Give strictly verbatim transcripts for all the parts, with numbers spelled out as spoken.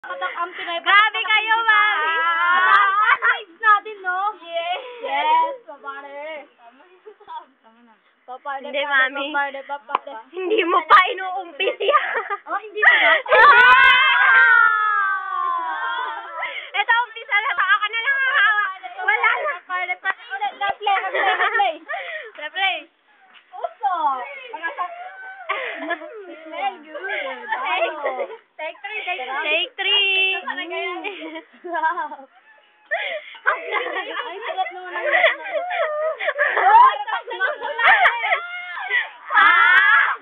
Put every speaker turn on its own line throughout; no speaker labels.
Grabe kayo, mami!
Mataas lives natin, no?
Yes!
Yes, papare. Papare,
Hindi, mami.
papare, papare.
Hindi mo pa inuumpis yan.
Oh, hindi mo ba?
Ito, umpisa na. Baka ka na lang hahawa. Wala na.
Papare, papare. Ulit, na-play, na-play, na-play.
Na-play.
Uso. Smell good. Ano?
Take three, take three. Take three.
Ay, sarap naman ang
Ah!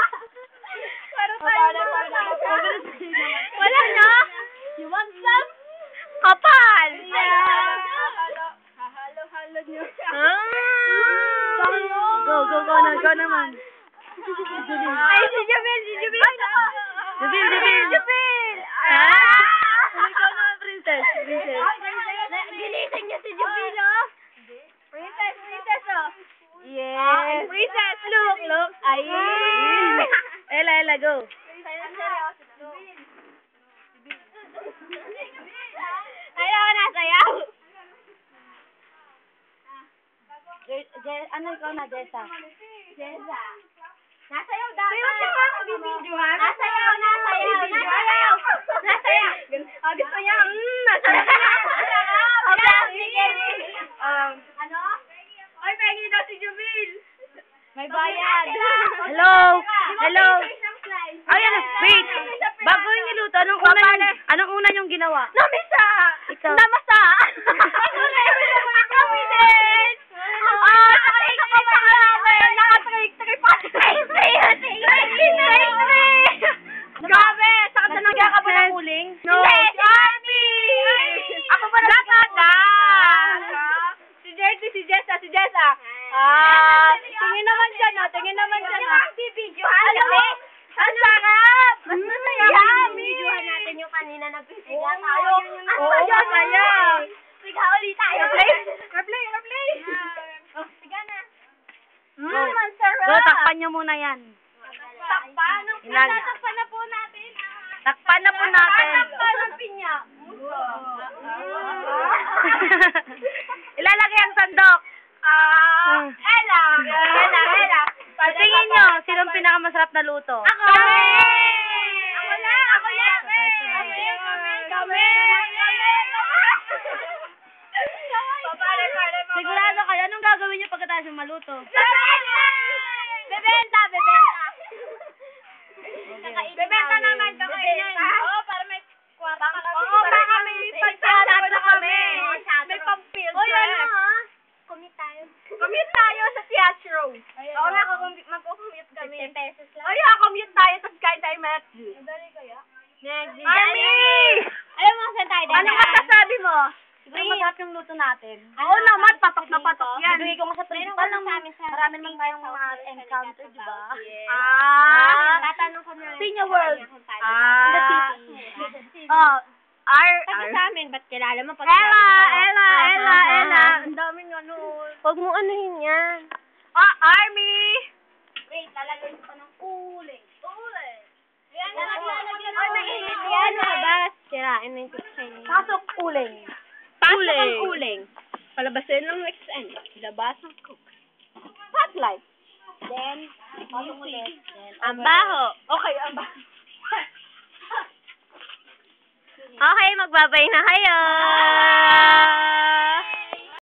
Wala na.
You want some?
Kapal.
Hahalo-halo niyo.
Ah!
Go, go, go na, go naman.
Ay, si Jubil, si Jubil.
Jubil, Jubil, Jubil.
Ah!
Ikaw na, princess, princess.
Ginising niya si Jubil, oh.
Princess, princess, oh.
Yes. Princess, look, look.
Ay.
Ella, Ella, go. Ayaw ka na, sayaw.
Ano ikaw na, Jessa?
Jessa. Nasayaw dapat.
Pero siya nga magbibidyohan.
Nasayaw, nasayaw, nasayaw. Nasayaw.
Ah, gusto niya, mm, nasayaw.
Okay, sige.
Um,
Ano?
Ay, pengi daw si Jubil. May bayad.
Hello. Hello. Ayan, wait. Bago yung niluto, anong una yung, anong una yung ginawa?
Namisa!
Ikaw. Namasa! Kami din! Ah, nakalik ka pa namin! Nakatrake-trake pa! Trake-trake! Trake-trake! Grabe! Saan ka nagkakaba ng uling?
No.
Hindi! Army! Ako ba nagkakada?
Si Jersey, si Jessa, si Jessa. Ah, tingin naman dyan, ah. Tingin naman dyan, ah.
Bibidyohan
Ano?
kami!
Ang sarap!
Mas masaya
Yummy!
kung bibidyohan natin yung kanina nagpisiga
Oo,
tayo.
yun yung
Ang
oo,
saya
masaya.
Siga ulit tayo.
Replay? Replay, replay.
Oh, siga na.
Mm,
Go.
ang sarap.
Go, takpan nyo muna yan.
Takpan.
Ilan?
Takpan na po natin.
Takpan na po natin.
Takpan ng pinya.
Ilalagay ang sandok.
Ah, Ella. Ella, Ella.
Tingin nyo, sinong pinakamasarap na luto?
Ako! Ako na! Ako yan! Kami! Kami!
Sigurado kayo, anong gagawin nyo pagkatapos yung maluto?
Bebenta! Bebenta! Bebenta! Bebenta naman ito kainin. Oo, para may kwarta kami. Oo, para may pagsasagot na kami. May pang-field trip.
ano ah?
Commute tayo. Commute tayo sa teatro. Oo nga, magkukumute kami.
fifty pesos lang.
O yeah, commute tayo sa Sky Time Max. Madali kaya?
Next,
Army!
Alam mo saan tayo
Ano masasabi mo?
Siguro masarap yung luto natin.
Oo naman, patok na patok yan.
Bibigay ko nga sa principal ng marami naman tayong mga encounter, di ba?
Ah!
Tatanong ko na lang.
Pinya World.
Ah.
The city. Oh, R.
Kasi sa amin, ba't kilala mo? Pag
Ella,
sabi ko,
Ella,
ah,
Ella,
ah, ah,
Ella.
ah.
Ang daming ano.
Huwag mo anuhin yan.
Ah, Army!
Wait, lalagay ko ng uling.
Uling.
Yan,
lalagyan
Ay, mainit yan, labas. Sirain na yung chicken.
Pasok uling.
Pasok ang uling. Palabasin ng X N. Labas ang cook.
Spotlight.
Then, pasok ulit. Then, ang baho.
Okay, ang ba?
Okay, magbabay na kayo.